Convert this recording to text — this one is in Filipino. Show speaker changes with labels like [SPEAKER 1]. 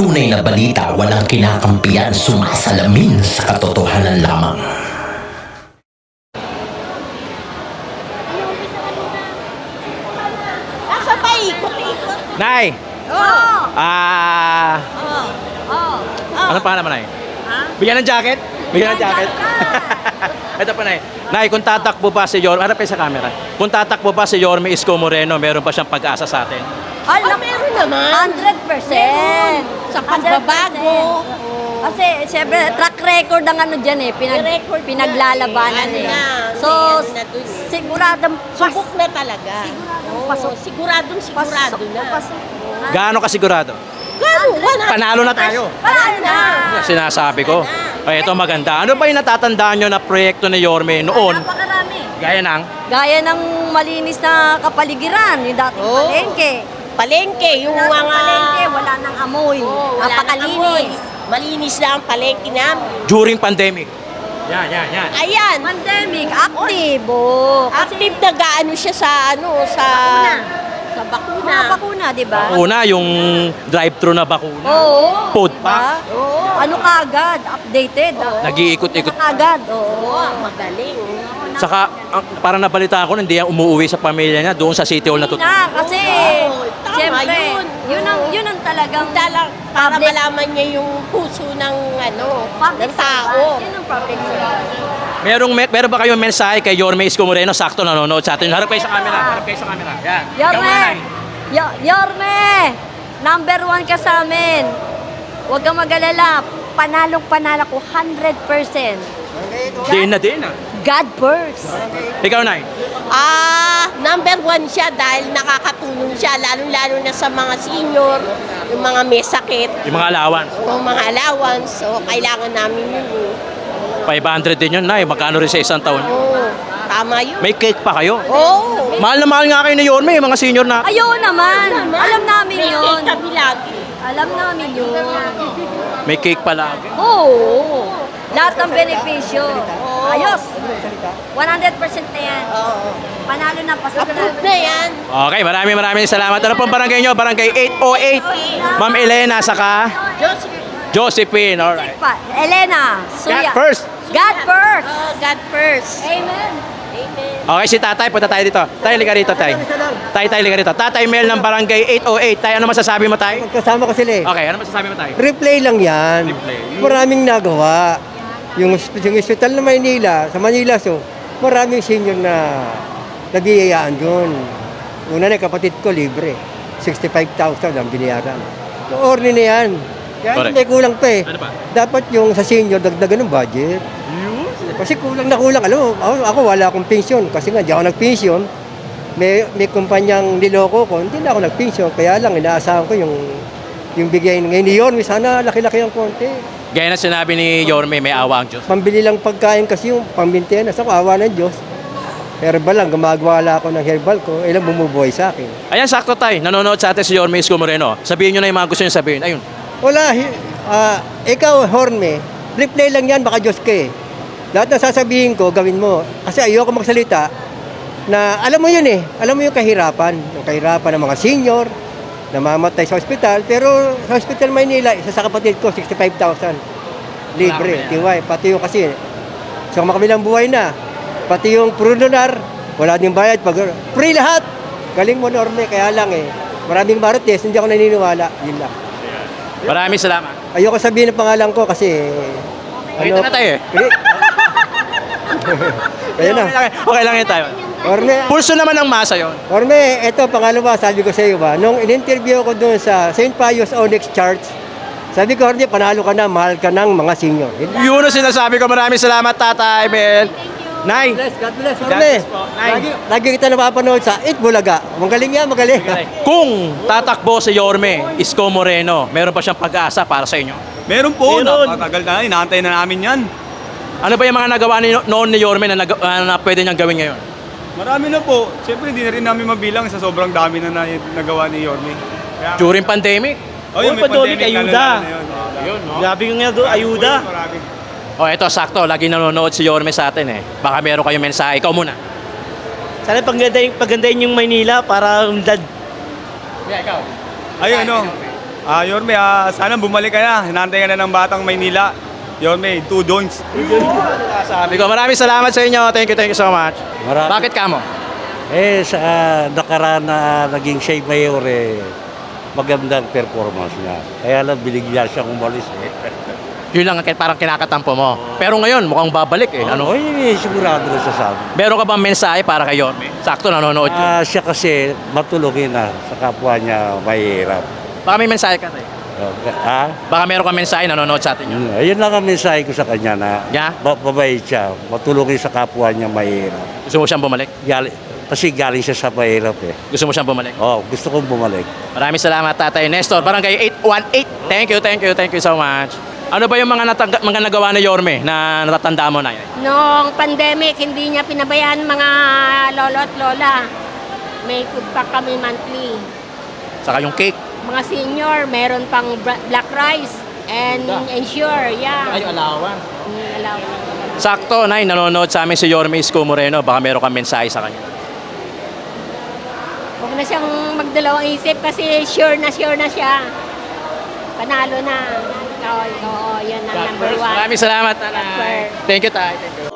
[SPEAKER 1] tunay na balita walang kinakampiyan, sumasalamin sa katotohanan lamang.
[SPEAKER 2] Nasa paikot-ikot.
[SPEAKER 3] Nay!
[SPEAKER 2] Oo.
[SPEAKER 3] Ano pa naman, Nay?
[SPEAKER 2] Ha?
[SPEAKER 3] Bigyan ng jacket? Bigyan ng jacket? Ito pa, Nay. Nay, kung tatakbo pa si Yorme, harap kayo sa camera. Kung tatakbo pa si Yorme Isko Moreno, meron pa siyang pag-asa sa atin.
[SPEAKER 2] Alam, meron naman.
[SPEAKER 4] 100%.
[SPEAKER 2] Sa pagbabago.
[SPEAKER 4] Kasi, siyempre, track record ang ano dyan eh.
[SPEAKER 2] Record na
[SPEAKER 4] pinaglalabanan
[SPEAKER 2] eh.
[SPEAKER 4] eh.
[SPEAKER 2] Ano na,
[SPEAKER 4] So,
[SPEAKER 2] ano na dun.
[SPEAKER 4] siguradong
[SPEAKER 2] Subok na talaga. Oo, siguradong sigurado na.
[SPEAKER 3] Gaano kasigurado?
[SPEAKER 2] Gano?
[SPEAKER 3] Panalo na tayo.
[SPEAKER 4] Paano na?
[SPEAKER 3] Sinasabi ko. Ay, ito maganda. Ano ba yung natatandaan nyo na proyekto ni Yorme noon?
[SPEAKER 4] Napakarami.
[SPEAKER 3] Gaya ng
[SPEAKER 4] Gaya ng malinis na kapaligiran, yung dating
[SPEAKER 2] Oo.
[SPEAKER 4] palengke.
[SPEAKER 2] Palengke, yung
[SPEAKER 4] Dating
[SPEAKER 2] mga...
[SPEAKER 4] palengke, wala nang amoy.
[SPEAKER 2] Oo, wala nang amoy.
[SPEAKER 4] Napakalinis.
[SPEAKER 2] Malinis lang ang palengke namin.
[SPEAKER 3] during pandemic. Yan.
[SPEAKER 2] Ayan.
[SPEAKER 4] Pandemic, active. Oh. Kasi
[SPEAKER 2] Active na gaano siya sa sa bakuna.
[SPEAKER 4] mga bakuna, di ba?
[SPEAKER 3] Una, yung drive-thru na bakuna.
[SPEAKER 4] Oo.
[SPEAKER 3] Food
[SPEAKER 4] diba?
[SPEAKER 3] pack.
[SPEAKER 2] Oo.
[SPEAKER 4] Ano kaagad? Updated.
[SPEAKER 3] Nag-iikot-ikot.
[SPEAKER 4] Kaagad. Oo.
[SPEAKER 2] Oo, magaling.
[SPEAKER 3] Saka, parang nabalita ko, hindi yan umuwi sa pamilya niya doon sa City Hall na
[SPEAKER 4] Na, kasi,
[SPEAKER 2] Oo, tama
[SPEAKER 4] siyempre,
[SPEAKER 2] yun.
[SPEAKER 4] yun ang talagang
[SPEAKER 2] Para
[SPEAKER 4] public-
[SPEAKER 2] malaman niya yung puso ng
[SPEAKER 4] public
[SPEAKER 2] ng tao.
[SPEAKER 4] servant. Yun ang public servant.
[SPEAKER 3] Meron ba kayong mensahe kay Yorme Isko Moreno? Sakto nanonood sa atin. Harap kayo sa camera. Harap kayo sa camera. Yan. Ikaw muna,
[SPEAKER 4] Yorme!
[SPEAKER 3] Nay.
[SPEAKER 4] Yorme! Number 1 ka sa amin. Huwag kang mag-alala. Panalong-panalo ko 100%.
[SPEAKER 3] Din na.
[SPEAKER 4] God first.
[SPEAKER 3] Ikaw, Nay.
[SPEAKER 2] Number 1 siya dahil nakakatulong siya, lalo-lalo na sa mga senior, yung mga may sakit,
[SPEAKER 3] Yung mga allowance.
[SPEAKER 2] yung mga allowance. So, kailangan namin yun.
[SPEAKER 3] 500 din yun, Nay. Magkano rin sa isang taon yun?
[SPEAKER 2] Oo, tama yun.
[SPEAKER 3] May cake pa kayo.
[SPEAKER 2] Oo.
[SPEAKER 3] Mahal na mahal nga kayo ni Yorme, mga senior na.
[SPEAKER 4] Ayun naman. Alam namin
[SPEAKER 2] May
[SPEAKER 4] yun.
[SPEAKER 2] cake kami lagi.
[SPEAKER 4] Alam namin yun.
[SPEAKER 3] May cake pala.
[SPEAKER 4] Oo. Lahat ng benepisyo. Ayos. 100% na yan.
[SPEAKER 2] Oo.
[SPEAKER 4] Panalo na, pasok na.
[SPEAKER 2] Approved na yan.
[SPEAKER 3] Okay, maraming salamat. Ano pong barangay nyo? Barangay 808. Ma'am Elena, saka Josephine. Alright.
[SPEAKER 4] Elena, Suya.
[SPEAKER 3] God first.
[SPEAKER 4] God first.
[SPEAKER 2] Oh, God first.
[SPEAKER 4] Amen.
[SPEAKER 2] Amen.
[SPEAKER 3] Okay, si tatay. Punta tayo dito. Tay, liga rito, tay. Tay, liga rito. Tatay Mel ng barangay 808. Tay, ano masasabi mo, tay?
[SPEAKER 5] Kasama ko sila eh.
[SPEAKER 3] Okay, ano masasabi mo, tay?
[SPEAKER 5] Replay lang yan.
[SPEAKER 3] Replay.
[SPEAKER 5] Maraming nagawa. Yung hospital na Maynila, sa Manila, so, maraming senior na nabiyayaan doon. Una na, kapatid ko, libre. 65,000 ang binayaran. Orne na yan. Kaya
[SPEAKER 3] Correct.
[SPEAKER 5] may kulang pa eh.
[SPEAKER 3] Ano ba?
[SPEAKER 5] Dapat yung sa senior, dagdagan ng budget. Kasi kulang na kulang. Alam mo, ako wala akong pensyon. Kasi nga, di ako nagpensyon. May kumpanyang niloko ko, hindi na ako nagpensyon. Kaya lang, inaasahan ko yung bigay ngayon ni Yorme. Sana laki-laki ang konti.
[SPEAKER 3] Gaya na sinabi ni Yorme, may awa ang Diyos.
[SPEAKER 5] Pambili lang pagkain kasi yung pambintenas. Ako, awa ng Diyos. Herbal lang, gumagawa lang ako ng herbal ko. Ilang bumubuhay sa akin.
[SPEAKER 3] Ayan, sakto, tay. Nanonood sa atin si Yorme Isko Moreno. Sabihin nyo na yung mga gusto nyo sabihin. Ayun.
[SPEAKER 5] Wala, ikaw, Horme, replay lang yan, baka Diyos ka eh. Lahat na sasabihin ko, gawin mo. Kasi ayoko magsalita na alam mo yun eh. Alam mo yung kahirapan. Yung kahirapan ng mga senior, namamatay sa ospital. Pero sa Hospital Maynila, isa sa kapatid ko, 65,000. Libre, tiwai. Pati yung kasi, sa makabilang buhay na. Pati yung prununar, wala din bayad. Free lahat. Galing mo, Norme, kaya lang eh. Maraming marites, hindi ako naniniwala. Yun lang.
[SPEAKER 3] Maraming salamat.
[SPEAKER 5] Ayoko sabihin ang pangalan ko kasi...
[SPEAKER 3] Nakita na tayo eh.
[SPEAKER 5] Kaya na.
[SPEAKER 3] Okay lang yun tayo.
[SPEAKER 5] Orme,
[SPEAKER 3] Pulso naman ng masa yon.
[SPEAKER 5] Orme, ito pangalawa, sabi ko sa iyo ba, nung in-interview ko doon sa St. Pius Onyx Church, sabi ko, Orme, panalo ka na, mahal ka ng mga senior.
[SPEAKER 3] Yun ang sinasabi ko. Maraming salamat, Tatay Mel. Nay.
[SPEAKER 5] God bless,
[SPEAKER 3] God
[SPEAKER 5] Orme.
[SPEAKER 3] bless po. Nay.
[SPEAKER 5] Lagi kita napapanood sa It Bulaga. Magaling yan, magaling.
[SPEAKER 3] Kung tatakbo si Yorme Isko Moreno, meron pa siyang pag-asa para sa inyo?
[SPEAKER 6] Meron po, napakatagal na, inaantay na namin yan.
[SPEAKER 3] Ano ba yung mga nagawa noon ni Yorme na pwede niyang gawin ngayon?
[SPEAKER 6] Marami na po. Siyempre, hindi na rin namin mabilang sa sobrang dami na nagawa ni Yorme. Kaya,
[SPEAKER 3] During pandemic?
[SPEAKER 6] yun, may
[SPEAKER 7] pandemic,
[SPEAKER 6] pandemic,
[SPEAKER 7] ayuda.
[SPEAKER 6] lalo na yun.
[SPEAKER 3] Yun, no?
[SPEAKER 7] Grabe yung nga doon, ayuda.
[SPEAKER 6] Marami.
[SPEAKER 3] Oh, eto, sakto. Lagi nanonood si Yorme sa atin eh. Baka meron kayong mensahe. Ikaw muna.
[SPEAKER 7] Sana pagandahin yung Maynila para umdad.
[SPEAKER 3] Yeah, ikaw.
[SPEAKER 6] Ay, ano, Yorme, sana bumalik ka na. Hinantay ka na ng Batang Maynila. Yorme, 2 joints.
[SPEAKER 3] Sabi ko, maraming salamat sa inyo. Thank you so much. Bakit ka mo?
[SPEAKER 8] Sa nakaraan na naging siya mayor, magandang performance niya. Kaya lang binigyan siyang umalis.
[SPEAKER 3] Yun lang ang parang kinakatampo mo. Pero ngayon, mukhang babalik eh. Ano?
[SPEAKER 8] Sigurado na siya sa amin.
[SPEAKER 3] Meron ka bang mensahe para kay Yorme? Sakto, nanonood yun.
[SPEAKER 8] Siya kasi matulungin na sa kapwa niya mahirap.
[SPEAKER 3] Baka may mensahe ka tayo. Baka meron ka mensahe, nanonood sa atin yun.
[SPEAKER 8] Ayun lang ang mensahe ko sa kanya na
[SPEAKER 3] Yeah?
[SPEAKER 8] mabait siya, matulungin sa kapwa niya mahirap.
[SPEAKER 3] Gusto mo siyang bumalik?
[SPEAKER 8] Kasi galing siya sa mahirap eh.
[SPEAKER 3] Gusto mo siyang bumalik?
[SPEAKER 8] Gusto kong bumalik.
[SPEAKER 3] Maraming salamat, Tatay Nestor. Barangay 818. Thank you so much. Ano ba yung mga nagawa ni Yorme na natatanda mo na yun?
[SPEAKER 2] Noong pandemic, hindi niya pinabayaan mga lolo at lola. May food pack kami monthly.
[SPEAKER 3] Saka yung cake.
[SPEAKER 2] Mga senior, meron pang black rice and ensure, yeah.
[SPEAKER 3] alawan.
[SPEAKER 2] Allowance.
[SPEAKER 3] Sakto, Nay, nanonood sa amin si Yorme Isko Moreno. Baka meron kang mensahe sa kanya.
[SPEAKER 2] Huwag na siyang magdalawang isip kasi sure na siya. Panalo na. Oo, yan ang number one.
[SPEAKER 3] Maraming salamat, Nanay.
[SPEAKER 2] Number.
[SPEAKER 3] Thank you, Tay. Thank you.